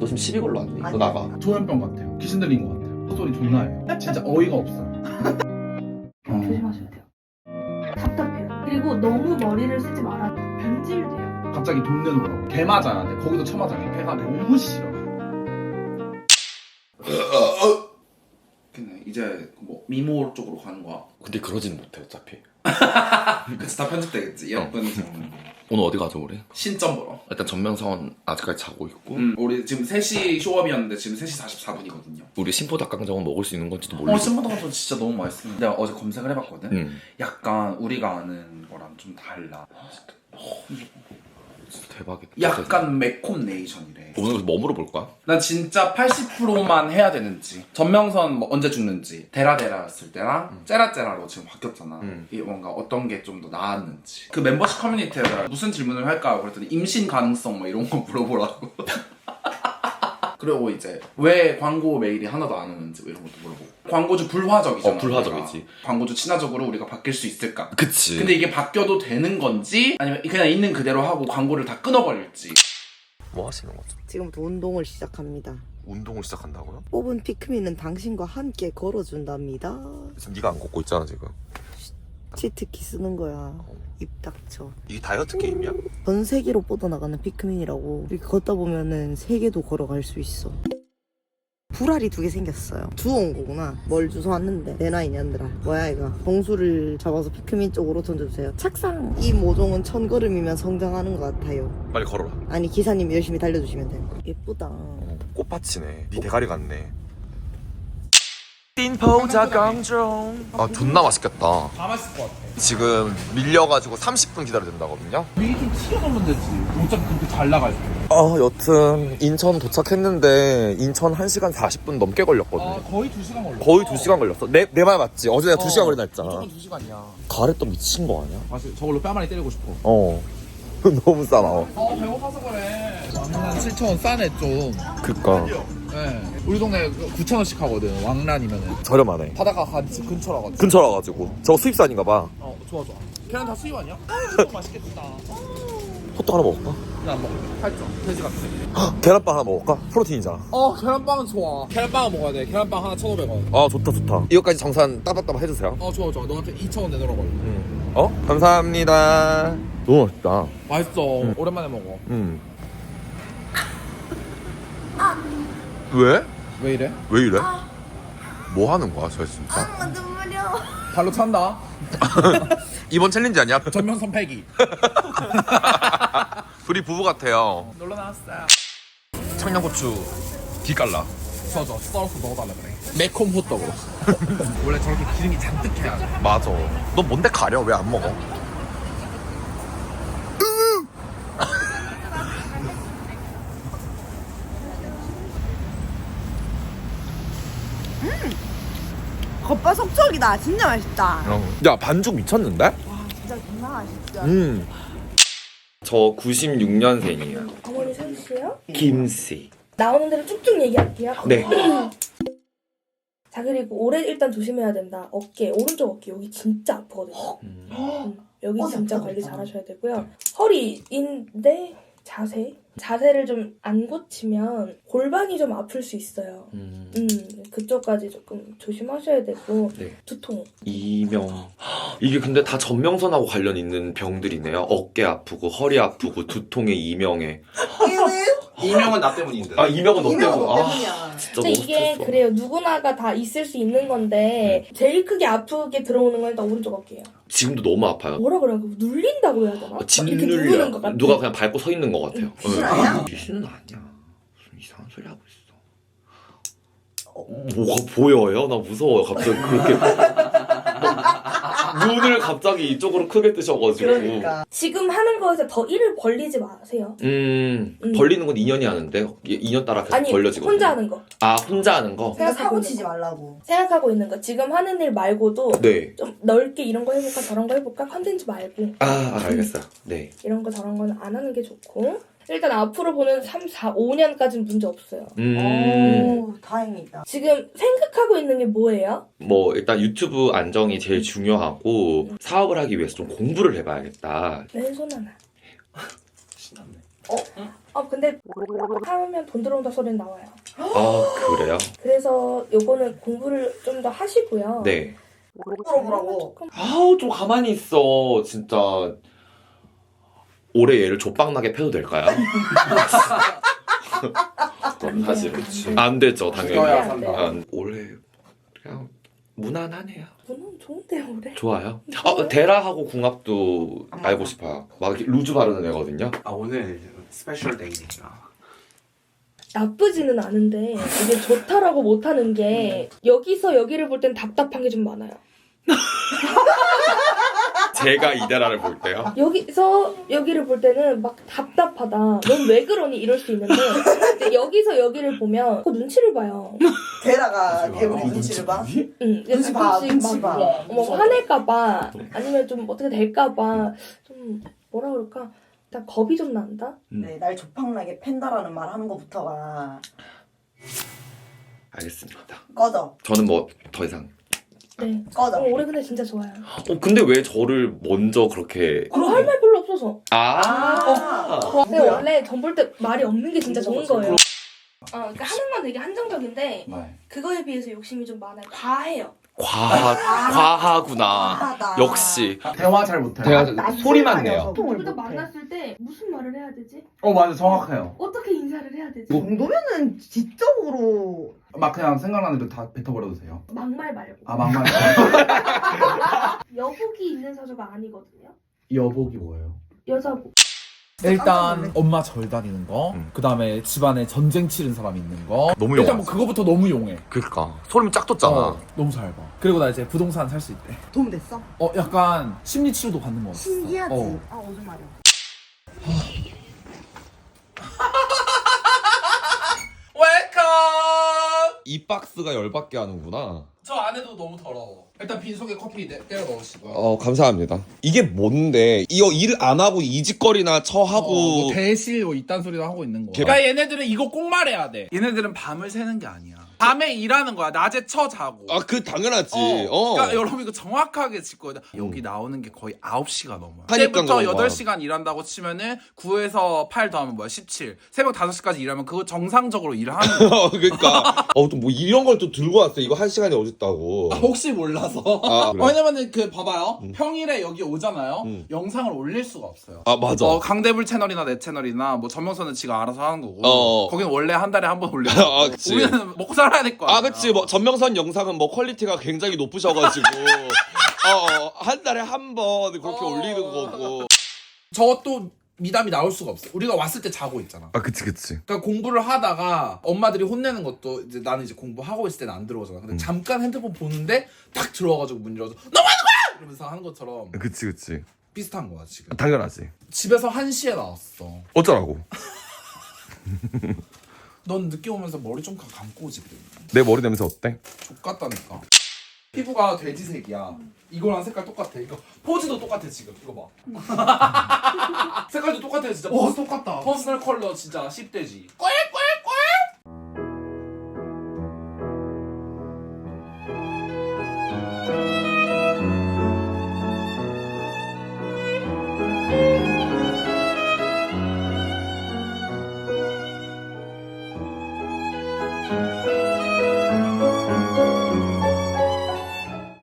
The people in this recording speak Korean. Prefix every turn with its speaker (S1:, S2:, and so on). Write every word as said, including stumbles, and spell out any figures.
S1: 지금 십이 걸로 왔네. 이거 나가.
S2: 조현병 같아요. 귀신 들린 것 같아요. 헛소리 존나 해요. 진짜 어이가 없어요. 어.
S3: 조심하셔야 돼요. 답답해요. 그리고 너무 머리를 쓰지 말아요. 변질돼요.
S2: 갑자기 돈 내놓으라고. 개 맞아야 돼. 거기서 쳐맞아요. 배가 너무 싫어. 근데 이제 뭐 미모 쪽으로 가는 거야.
S1: 근데 그러진 못해 어차피.
S2: 그치 다 편집되겠지. 예쁜 지
S1: 오늘 어디 가죠 우리?
S2: 신점 보러.
S1: 일단 전명선 아직까지 자고 있고.
S2: 음, 우리 지금 세 시 쇼업이었는데 지금 세 시 사십사 분이거든요.
S1: 우리 신포닭강정은 먹을 수 있는 건지도 모르고.
S2: 어, 신보다가 진짜 너무 맛있어. 내가 어제 검색을 해봤거든.
S1: 음.
S2: 약간 우리가 아는 거랑 좀 달라.
S1: 어, 진짜 대박이다.
S2: 약간 매콤 네이션이래.
S1: 오늘 그래서 뭐 물어볼까?
S2: 난 진짜 팔십 퍼센트만 해야 되는지, 전명선 뭐 언제 죽는지, 데라데라였을 때랑
S1: 음.
S2: 째라째라로 지금 바뀌었잖아.
S1: 음.
S2: 이게 뭔가 어떤 게 좀 더 나았는지. 그 멤버십 커뮤니티에다 무슨 질문을 할까 그랬더니 임신 가능성 뭐 이런 거 물어보라고. 그리고 이제 왜 광고 메일이 하나도 안 오는지 뭐 이런 것도 물어보고. 광고주 불화적이잖아.
S1: 어, 불화적이지.
S2: 우리가. 광고주 친화적으로 우리가 바뀔 수 있을까?
S1: 그치.
S2: 근데 이게 바뀌어도 되는 건지 아니면 그냥 있는 그대로 하고 광고를 다 끊어버릴지.
S1: 뭐 하시는 거죠?
S4: 지금부터 운동을 시작합니다.
S1: 운동을 시작한다고요?
S4: 뽑은 피크민은 당신과 함께 걸어준답니다.
S1: 지금 네가 안 걷고 있잖아 지금.
S4: 치트키 쓰는 거야. 입 닥쳐.
S1: 이게 다이어트 게임이야?
S4: 전 세계로 뻗어나가는 피크민이라고. 이렇게 걷다 보면은 세계도 걸어갈 수 있어. 불알이 두 개 생겼어요. 주워온 거구나. 뭘 주워왔는데 내 나이 년들아. 뭐야 이거. 봉수를 잡아서 피크민 쪽으로 던져주세요. 착상. 이 모종은 천 걸음이면 성장하는 것 같아요.
S1: 빨리 걸어라.
S4: 아니 기사님 열심히 달려주시면 돼요. 예쁘다.
S1: 꽃밭이네. 네 대가리 같네. 띵포닭강정. 아 존나 맛있겠다.
S2: 다 맛있을 것 같아.
S1: 지금 밀려가지고 삼십 분 기다려야 된다거든요.
S2: 미리 좀 튀어나오면 되지. 어차피 그렇게 잘 나갈 때.
S1: 아 여튼 인천 도착했는데 인천 한 시간 사십 분 넘게 걸렸거든요.
S2: 아, 거의 두 시간 걸렸어.
S1: 거의 두 시간 걸렸어. 내 내 말 맞지? 어제 내가 두 시간 걸린다 했잖아.
S2: 무조건 두 시간이야.
S1: 가래떡 미친 거 아니야?
S2: 맞아. 저걸로 뺨 많이 때리고 싶어.
S1: 어. 너무 싸나워.
S2: 어, 배고파서 그래. 왕란 칠천 원 싸네 좀.
S1: 그니까
S2: 네. 우리 동네 구천 원씩 하거든. 왕란이면은.
S1: 저렴하네.
S2: 바다가 같이 근처라가지고.
S1: 근처라가지고 저거 수입산인가 봐.
S2: 어, 좋아 좋아. 계란 다 수입 아니야? 아, 맛있겠다.
S1: 호떡 하나 먹을까?
S2: 나안 먹을게. 팔 점. 돼지 같아.
S1: 계란빵 하나 먹을까? 프로틴이잖아.
S2: 어, 계란빵은 좋아. 계란빵은 먹어야 돼. 계란빵 하나 천오백 원.
S1: 아 좋다 좋다. 이거까지 정산 따박따박 해주세요.
S2: 어, 좋아 좋아. 너한테 이천 원 내놓으라고.
S1: 음. 어? 감사합니다. 너무 맛있다.
S2: 맛있어. 오랜만에 먹어.
S1: 음. 왜?
S2: 왜 이래?
S1: 왜 이래? 뭐 하는 거야, 저 진짜?
S4: 아 눈물려.
S2: 발로 찬다.
S1: 이번 챌린지 아니야?
S2: 전면선 패기.
S1: 둘이 부부 같아요.
S2: 놀러 나왔어요.
S1: 청양고추 뒤 깔라.
S2: 좋아 좋아. 썰어서 넣어달라 그래. 매콤 호떡으로. 원래 저렇게 기름이 잔뜩 해야 돼.
S1: 맞아. 너 뭔데 가려? 왜 안 먹어?
S4: 겉바 속촉이다. 진짜 맛있다.
S1: 야 반죽 미쳤는데?
S4: 와 진짜 정말 맛있다.
S1: 음. 저 구십육 년생이에요.
S3: 어머니 서주세요.
S1: 김씨.
S3: 나오는 대로 쭉쭉 얘기할게요.
S1: 네.
S3: 자, 그리고 오래 일단 조심해야 된다. 어깨, 오른쪽 어깨 여기 진짜 아프거든요. 음, 여기
S4: 어,
S3: 진짜
S4: 아프다,
S3: 관리
S4: 아프다.
S3: 잘 하셔야 되고요. 허리인데 자세. 자세를 좀 안 고치면 골반이 좀 아플 수 있어요.
S1: 음.
S3: 음, 그쪽까지 조금 조심하셔야 되고.
S1: 네.
S3: 두통.
S1: 이명. 이게 근데 다 전명선하고 관련 있는 병들이네요. 어깨 아프고 허리 아프고 두통에 이명에.
S2: 이명은 나 때문인데.
S1: 아 이명은 너 때문에.
S4: 이명은
S1: 아
S4: 때문이야.
S1: 진짜
S3: 근데
S1: 너무
S3: 이게
S1: 스트레스.
S3: 그래요. 누구나가 다 있을 수 있는 건데 제일 크게 아프게 들어오는 건 일단 오른쪽 어깨예요.
S1: 지금도 너무 아파요.
S3: 뭐라 그래요? 눌린다고 해야 되나?
S1: 어,
S3: 이렇게 누르는
S1: 짓눌려.
S3: 것 같아.
S1: 누가 그냥 밟고 서 있는 것 같아요.
S4: 귀신
S1: 응.
S4: 아니야?
S1: 귀신은 아니야. 무슨 이상한 소리 하고 있어. 어, 뭐가 보여요? 나 무서워요. 갑자기 그렇게 눈을 갑자기 이쪽으로 크게 뜨셔가지고.
S4: 그러니까.
S3: 지금 하는 거에서 더 일을 벌리지 마세요.
S1: 음,
S3: 음.
S1: 벌리는 건 인연이 하는데 인연 따라 계속
S3: 아니
S1: 벌려지거든요.
S3: 혼자 하는 거.
S1: 아 혼자 하는 거?
S4: 그냥 사고 치지 말라고.
S3: 생각하고 있는 거. 지금 하는 일 말고도
S1: 네.
S3: 좀 넓게 이런 거 해볼까 저런 거 해볼까 컨텐츠 말고
S1: 아, 아 알겠어요. 네.
S3: 이런 거 저런 거는 안 하는 게 좋고 일단 앞으로 보는 삼, 사, 오 년까지는 문제 없어요.
S1: 음.
S4: 오 다행이다.
S3: 지금 생각하고 있는 게 뭐예요?
S1: 뭐 일단 유튜브 안정이 제일 중요하고 사업을 하기 위해서 좀 공부를 해봐야겠다.
S3: 왼손 하나.
S2: 신났네.
S4: 어?
S3: 아 근데 하면 돈 들어온다 소리는 나와요.
S1: 아 그래요?
S3: 그래서 요거는 공부를 좀 더 하시고요.
S1: 네.
S4: 물어보라고.
S3: 조금
S1: 아우 좀 가만히 있어 진짜. 올해 얘를 족박나게 패도 될까요?
S3: 안
S1: 사실
S3: 돼요,
S1: 그치.
S3: 안 돼요.
S1: 안 되죠 당연히.
S2: 죽어야
S3: 안 돼요.
S2: 산다.
S1: 아, 올해 그냥 무난하네요.
S3: 저는 좋은데요 올해.
S1: 좋아요. 어, 데라하고 궁합도 알고 싶어요. 막 이렇게 루즈 바르는 애거든요.
S5: 아 오늘 스페셜 데이니까
S3: 나쁘지는 않은데 이게 좋다라고 못하는 게 여기서 여기를 볼 땐 답답한 게 좀 많아요.
S1: 제가 이데라를 볼 때요.
S3: 여기서 여기를 볼 때는 막 답답하다. 넌 왜 그러니 이럴 수 있는데 근데 여기서 여기를 보면 그 눈치를 봐요.
S4: 데라가
S5: 눈치 봐.
S4: 개구리
S5: 어,
S4: 눈치를 봐?
S3: 응,
S4: 눈치 봐,
S3: 가끔씩
S4: 눈치
S3: 막
S4: 봐.
S3: 뭐 화낼까봐 아니면 좀 어떻게 될까봐 좀 뭐라 그럴까 일단 겁이 좀 난다.
S1: 음.
S4: 네, 날 조팡나게 팬다라는 말 하는 것부터가
S1: 알겠습니다.
S4: 꺼져.
S1: 저는 뭐 더 이상.
S3: 네.
S4: 꺼져.
S3: 어, 올해 근데 진짜 좋아요.
S1: 어 근데 왜 저를 먼저 그렇게?
S3: 그럼 할 말 별로 없어서.
S1: 아.
S4: 아.
S3: 근데
S4: 누구야?
S3: 원래 전 볼 때 말이 없는 게 진짜 좋은 거예요.
S1: 그럼-
S3: 어, 그러니까 하는 건 되게 한정적인데
S2: 네.
S3: 그거에 비해서 욕심이 좀 많아요. 과해요.
S1: 과하 과하구나.
S4: 하다.
S1: 역시.
S2: 대화 잘 못해요.
S1: 대화-
S4: 낯을
S1: 소리만
S4: 가려서
S1: 내요.
S4: 소통을
S3: 둘다
S4: 못해.
S3: 만났을 때 무슨 말을 해야 되지?
S2: 어 맞아 정확해요.
S3: 어떻게 인사를 해야 되지?
S4: 그 정도면은 지적으로
S2: 막 그냥 생각나는 대로 다 뱉어버려도 돼요.
S3: 막말 말고.
S2: 아 막말.
S3: 여복이 있는 사주가 아니거든요.
S2: 여복이 뭐예요?
S3: 여자복.
S6: 일단 엄마 절 다니는 거,
S1: 음.
S6: 그 다음에 집안에 전쟁 치른 사람 있는 거.
S1: 너무
S6: 일단
S1: 용하지.
S6: 뭐 그거부터 너무 용해.
S1: 그니까 소름 쫙 돋잖아.
S6: 어, 너무 잘 봐. 그리고 나 이제 부동산 살 수 있대.
S4: 도움 됐어?
S6: 어, 약간 심리 치료도 받는 거 같아.
S4: 신기하지?
S6: 어.
S4: 아, 무슨 말이야.
S2: 웰컴.
S1: 이 박스가 열받게 하는구나.
S6: 저 안에도 너무 더러워. 일단 빈속에 커피 내, 때려 넣으시고요.
S1: 어 감사합니다. 이게 뭔데? 이거 일 안 하고 이직거리나 처하고.
S6: 어, 뭐 대실 뭐 이딴 소리도 하고 있는 거야.
S1: 개-
S6: 그러니까 얘네들은 이거 꼭 말해야 돼. 얘네들은 밤을 새는 게 아니야. 밤에 일하는 거야. 낮에 쳐 자고.
S1: 아 그 당연하지.
S6: 어.
S1: 어.
S6: 그러니까 여러분 이거 정확하게 짚고 여기 나오는 게 거의 아홉 시가 넘어요.
S1: 하니까
S6: 그때부터
S1: 그런
S6: 여덟
S1: 거야.
S6: 시간 일한다고 치면은 구에서 팔 더하면 뭐야? 십칠. 새벽 다섯 시까지 일하면 그거 정상적으로 일을 하는 거야.
S1: 어, 그러니까 어 또 뭐 이런 걸 또 들고 왔어. 이거 한 시간이 어딨다고.
S6: 혹시 몰라서.
S1: 아, 그래?
S6: 왜냐면은 그 봐봐요.
S1: 음.
S6: 평일에 여기 오잖아요.
S1: 음.
S6: 영상을 올릴 수가 없어요.
S1: 아 맞아.
S6: 어, 강대불 채널이나 내 채널이나 뭐 전명선은 지가 알아서 하는 거고.
S1: 어.
S6: 거기는 원래 한 달에 한 번 올려.
S1: 아, 그치.
S6: 우리는 먹고 살아야 될 거야.
S1: 아 그치. 뭐 전명선 영상은 뭐 퀄리티가 굉장히 높으셔가지고 어한 달에 한 번 그렇게
S6: 어.
S1: 올리는 거고.
S6: 저또 미담이 나올 수가 없어. 우리가 왔을 때 자고 있잖아.
S1: 아 그치 그치.
S6: 그러니까 공부를 하다가 엄마들이 혼내는 것도 이제 나는 이제 공부하고 있을 때는 안 들어오잖아. 근데
S1: 음.
S6: 잠깐 핸드폰 보는데 딱 들어와가지고 문 열어서 너 뭐 하는 거야! 이러면서 하는 것처럼
S1: 그치 그치.
S6: 비슷한 거야 지금.
S1: 당연하지.
S6: 집에서 한 시에 나왔어.
S1: 어쩌라고.
S6: 넌 늦게 오면서 머리 좀 감- 감고 오지 그래.
S1: 내 머리 냄새 어때?
S6: 족같다니까. 피부가 돼지색이야. 이거랑 색깔 똑같아. 이거 포즈도 똑같아 지금. 이거 봐. 색깔도 똑같아 진짜.
S2: 오 똑같다.
S6: 퍼스널 컬러 진짜 십 대지. 꼬야!